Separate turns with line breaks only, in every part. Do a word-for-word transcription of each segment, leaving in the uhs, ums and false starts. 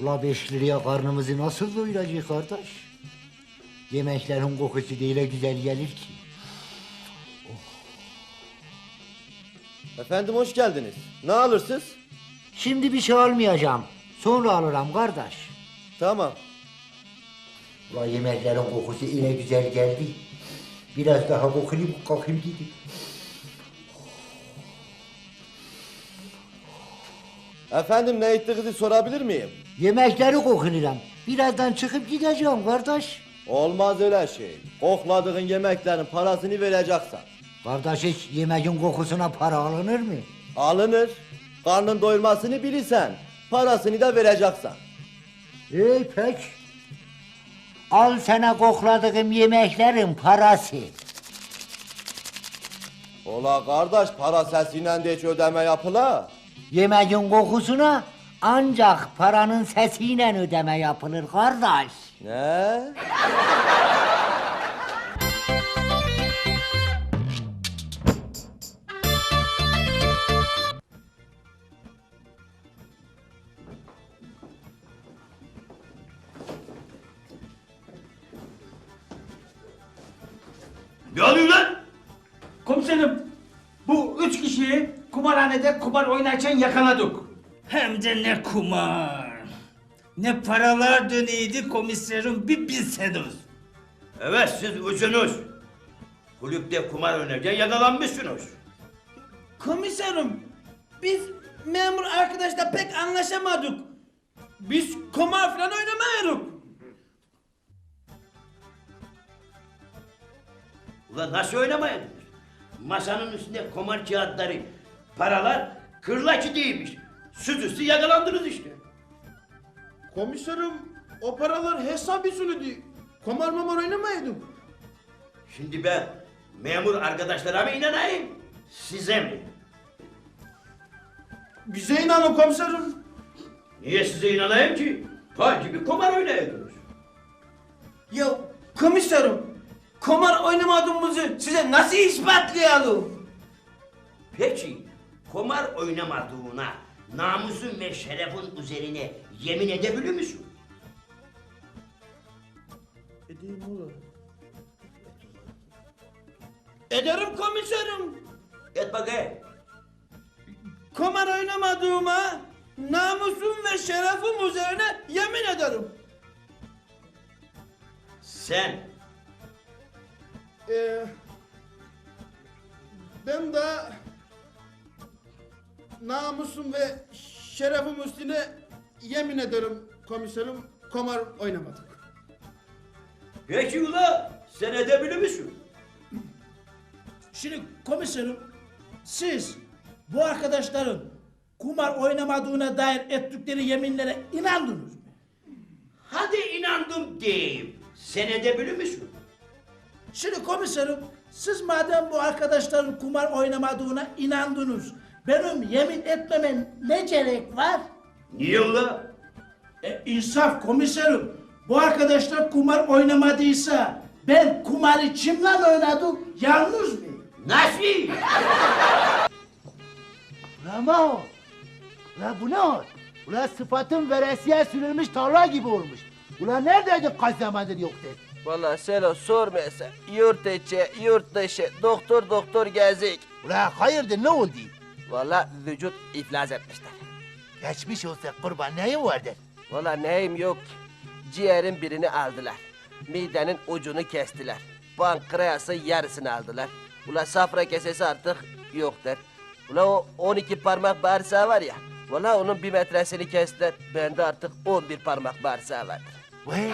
La beş liraya karnımızı nasıl doyuracağız kardeş? Yemeklerin kokusu da öyle güzel gelir ki.
Efendim hoş geldiniz. Ne alırsınız?
Şimdi bir şey almayacağım. Sonra alırım kardeş.
Tamam.
La yemeklerin kokusu öyle güzel geldi. Biraz daha koklayayım, kalkayım gideyim.
Efendim ne ettiğinizi sorabilir miyim?
Yemekleri koklayacağım. Birazdan çıkıp gideceğim kardeş.
Olmaz öyle şey. Kokladığın yemeklerin parasını vereceksen.
Kardeş hiç yemeğin kokusuna para alınır mı?
Alınır. Karnın doyurmasını bilirsen, parasını da vereceksen.
İyi pek. Al sana kokladığım yemeklerin parası.
Ola kardeş para sesiyle de hiç ödeme yapıla.
Yemeğin kokusuna ancak paranın sesiyle ödeme yapılır kardeş.
Ne?
Ne oluyor lan?
Komiserim, bu üç kişiyi kumarhanede kumar oynarken yakaladık. Hem de ne kumar. Ne paralar döneydi komiserim bir bilseniz.
Evet siz üçünüz. Kulüpte kumar oynarken yakalanmışsınız.
Komiserim, biz memur arkadaşla pek anlaşamadık. Biz kumar falan oynamıyoruz.
Ulan nasıl oynamayadınız? Masanın üstünde kumar kağıtları, paralar kırlaçı değilmiş. Süzüstü yakalandınız işte.
Komiserim, o paralar hesap usulüydü. Kumar mamar oynamaydık.
Şimdi ben memur arkadaşlara mı inanayım, size mi?
Bize inanın komiserim.
Niye size inanayım ki? Pay gibi kumar oynayordunuz.
Ya komiserim, kumar oynamadığımızı size nasıl ispatlayalım?
Peki kumar oynamadığına namusun ve şerefin üzerine yemin edebilir misin?
Edeyim oğlum. Ederim komiserim.
Et bakayım.
Kumar oynamadığıma namusum ve şerefim üzerine yemin ederim.
Sen
Ee, ben de namusum ve şerefim üstüne yemin ederim komiserim, kumar oynamadık.
peki ula sen edebilir misin?
Şimdi komiserim, siz bu arkadaşların kumar oynamadığına dair ettikleri yeminlere inandınız mı?
Hadi inandım diyeyim. Sen edebilir misin?
Şimdi komiserim, siz madem bu arkadaşların kumar oynamadığına inandınız, benim yemin etmemen ne gerek var?
Niye ula?
E, insaf komiserim, bu arkadaşlar kumar oynamadıysa ben kumarı kimle oynadım, yalnız mı?
Nasıl?
Ulan Maho! Ulan bu ne hal? Ulan sıfatın veresiye sürülmüş tarla gibi olmuş. Ulan neredeydin kaç zamandır yoktun?
Vallahi Selo sormayasa yurt içi, yurt dışı, doktor doktor gezik.
Ulan hayırdır ne oldu?
Vallahi vücut iflas etmişler.
Geçmiş olsa kurban neyin vardır?
Vallahi neyim yok ki. Ciğerin birini aldılar. Midenin ucunu kestiler. Pankreası yarısını aldılar. Ula safra kesesi artık yoktur. Ula o on iki parmak bağırsağı var ya. Vallahi onun bir metresini kestiler. Bende artık on bir parmak bağırsağı vardır.
Vay!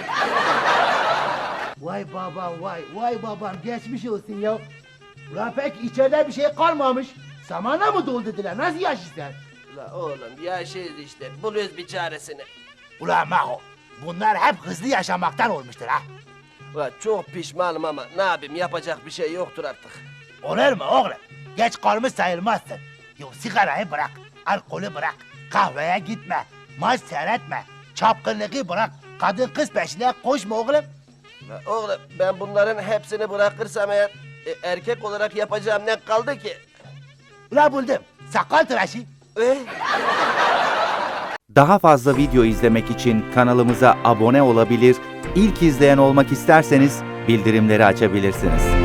Vay babam vay, vay babam geçmiş olsun ya. Ulan pek içeride bir şey kalmamış. Samana mı doldurdular? Nasıl yaşıyorsun?
Ula oğlum yaşayız işte. Buluyoruz bir çaresini.
Ulan Maho, bunlar hep hızlı yaşamaktan olmuştur ha.
Ula çok pişmanım ama ne yapayım yapacak bir şey yoktur artık.
Olur mu oğlum? Geç kalmış sayılmazsın. Yo sigarayı bırak, alkolü bırak, kahveye gitme, maç seyretme, çapkınlığı bırak, kadın kız peşine koşma oğlum.
Ula oğlum ben bunların hepsini bırakırsam eğer e, erkek olarak yapacağım ne kaldı ki?
Ulan buldum, sakal tıraşı.
Eh?
Daha fazla video izlemek için kanalımıza abone olabilir, ilk izleyen olmak isterseniz bildirimleri açabilirsiniz.